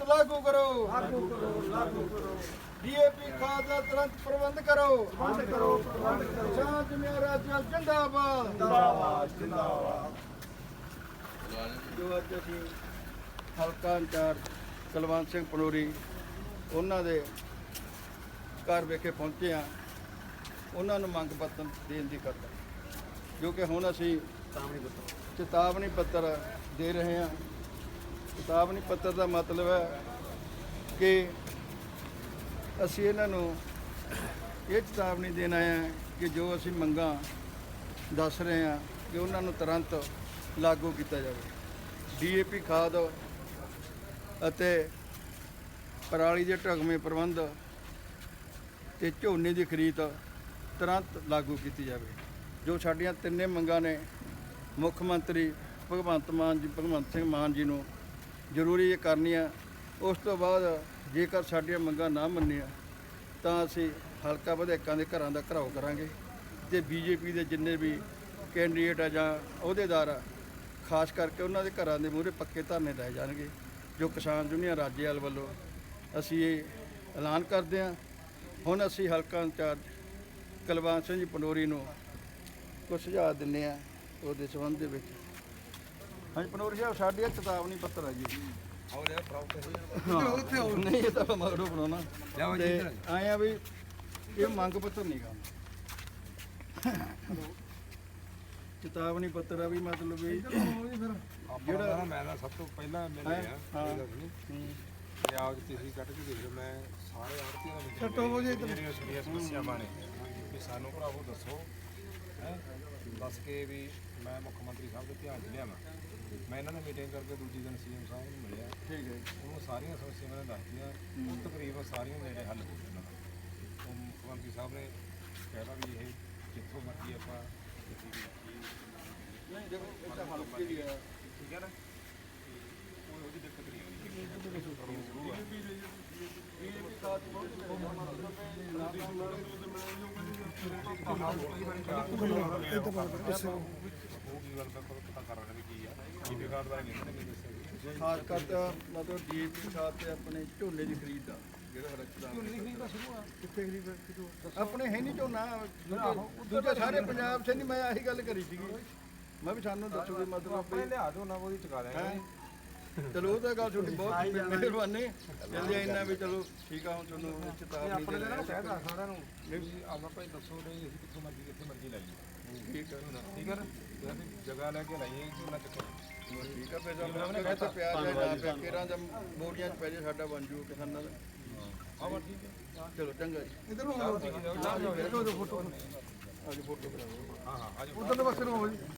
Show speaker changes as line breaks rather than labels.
लागू करो डीएपी खाद का तुरंत प्रबंध करो किसान जमीन राज्य जिंदाबाद जो अज असीं हल्का इंचार्ज कुलवंत सिंह पनोरी उन्हां दे घर विखे पहुंचे हाँ उन्हां नूं मंग पत्र देण दी खातर जो कि हुण असीं चेतावनी पत्र दे रहे हैं। चेतावनी पत्र का मतलब है कि असीं इन्हां नूं ये चेतावनी देना है कि जो असीं मंगां दस रहे हैं कि उन्हां नूं तुरंत लागू किया जाए। डीएपी खाद अते पराली के ढुकवें प्रबंध ते झोने की खरीद तुरंत लागू की जाए। जो साडियां तिन्ने मंगां ने मुख्यमंत्री भगवंत सिंह मान जी नूं जरूरी करनियां। उस तो बाद जेकर साडियां मंगां ना मन्नियां तां असीं हलका विधायकां दे घरां दा घिराओ करांगे ते बीजेपी के जिन्ने भी कैंਡੀਡੇਟ आ जां अहुदेदार आ खास करके उन्हां दे घरां दे मूहरे पक्के धरने लाए जाणगे। जो किसान यूनियन राज्यपाल ਵੱਲੋਂ असीं ਇਹ ऐलान करते हैं। हुण असीं हलका इंचार्ज कुलवंत सिंह जी पनोरी नूं कुछ सुझाव दिंदे आ ਉਹਦੇ संबंध ਦੇ ਵਿੱਚ। ਹਾਂਜੀ ਪਨੋਰੀ ਸਾਹਿਬ ਸਾਡੀ ਇਹ ਚੇਤਾਵਨੀ ਪੱਤਰ ਹੈ ਜੀ। ਨਹੀਂ ਇਹ ਤਾਂ ਮਗਰੋਂ ਬਣਾਉਣਾ ਤੇ ਆਏ ਆ ਵੀ ਇਹ ਮੰਗ ਪੱਤਰ ਨਹੀਂ ਗਾ ਚੇਤਾਵਨੀ ਪੱਤਰ ਆ ਵੀ ਮਤਲਬ ਵੀ
ਜਿਹੜਾ ਮੈਂ ਸਭ ਤੋਂ ਪਹਿਲਾਂ ਮਿਲਿਆ ਆਪ ਤੁਸੀਂ ਕੱਢ ਕੇ ਦੇਖ ਲਓ। ਮੈਂ ਸਾਰੇ ਆੜਤੀਆਂ ਦਾ ਜਿਹੜੀਆਂ ਸੁਣੀਆਂ ਸਮੱਸਿਆਵਾਂ ਨੇ ਵੀ ਸਾਨੂੰ ਭਰਾਵੋ ਦੱਸੋ ਦੱਸ ਕੇ ਵੀ ਮੈਂ ਮੁੱਖ ਮੰਤਰੀ ਸਾਹਿਬ ਦੇ ਧਿਆਨ 'ਚ ਲਿਆਵਾਂ। ਮੈਂ ਇਹਨਾਂ ਨੂੰ ਮੀਟਿੰਗ ਕਰਕੇ ਦੂਜੀ ਦਿਨ ਸੀਐਮ ਸਾਹਿਬ ਨੂੰ ਮਿਲਿਆ।
ਠੀਕ ਹੈ
ਉਹਨੂੰ ਸਾਰੀਆਂ ਸਮੱਸਿਆਵਾਂ ਨੇ ਦੱਸਤੀਆਂ। ਉਹ ਤਕਰੀਬਨ ਸਾਰੀਆਂ ਨੇੜੇ ਹੱਲ ਹੋ ਗਏ। ਉਹ ਮੁੱਖ ਮੰਤਰੀ ਸਾਹਿਬ ਨੇ ਕਹਿਣਾ ਵੀ ਇਹ ਜਿੱਥੋਂ ਮਰਜ਼ੀ ਆਪਾਂ
ਨਹੀਂ ਦੇਖੋ ਇਹ ਤਾਂ ਹਲਕੇ ਦੀ ਆ
ਠੀਕ ਹੈ ਨਾ ਉਹਦੀ ਦਿੱਕਤ ਨਹੀਂ ਆਉਂਦੀ।
ਖਾਸ ਕਰਕੇ ਮਤਲਬ ਡੀਏਪੀ ਖਾਦ ਤੇ ਆਪਣੇ ਝੋਨੇ ਦੀ ਖਰੀਦ ਆ ਜਿਹੜਾ ਹਰਕਤਾਂ ਕਿੱਥੇ ਖਰੀਦ ਆਪਣੇ ਹੈ ਨਹੀਂ ਝੋਨਾ ਦੂਜੇ ਸਾਰੇ ਪੰਜਾਬ 'ਚ ਨਹੀਂ। ਮੈਂ ਆਹੀ ਗੱਲ ਕਰੀ ਸੀਗੀ ਮੈਂ ਵੀ ਸਾਨੂੰ ਦੱਸੋ ਵੀ ਮਤਲਬ
ਲਿਆ ਦੋ ਨਾ ਉਹਦੀ ਚੁਕਾ ਦੇਣਾ।
ਚਲੋ ਉਹ ਤਾਂ ਗੱਲ ਤੁਹਾਡੀ ਬਹੁਤ ਮਿਹਰਬਾਨੀ ਕਹਿੰਦੇ ਇੰਨਾ ਵੀ ਚਲੋ ਠੀਕ ਆ। ਹੁਣ ਤੁਹਾਨੂੰ ਚੇਤਾਵਨੀ ਦੇ ਰਿਹਾ
ਕਹਿਦਾ ਸਾਰਿਆਂ ਨੂੰ ਆਪਾਂ ਭਾਈ ਦੱਸੋ ਨਹੀਂ ਅਸੀਂ ਕਿੱਥੋਂ ਮਰਜ਼ੀ ਕਿੱਥੇ ਮਰਜ਼ੀ ਲਾਈਏ।
ਠੀਕ ਹੈ
ਠੀਕ ਹੈ ਨਾ ਜਗ੍ਹਾ ਲੈ ਕੇ ਲਾਈਏ ਝੋਨਾ ਚੱਕੋ
ਠੀਕ ਹੈ। ਫਿਰ ਆਪਣੇ ਕਹਿੰਦੇ ਪਿਆਰ ਹੈ ਨਾ ਪਿਆ ਕੇਰਾਂ ਜਾਂ ਬੋਰੀਆਂ 'ਚ ਪੈ ਜੇ ਸਾਡਾ ਬਣ ਜੂ ਕਿਸਾਨਾਂ ਦਾ।
ਆਹ ਠੀਕ ਹੈ
ਚਲੋ ਚੰਗਾ ਜੀ।
ਇਧਰ ਨੂੰ ਫੋਟੋ
ਅੱਜ ਫੋਟੋ ਕਰਾਓ।
ਹਾਂ ਹਾਂ ਅੱਜ
ਉਧਰਲੇ ਪਾਸੇ ਨੂੰ ਹੋ ਜੀ।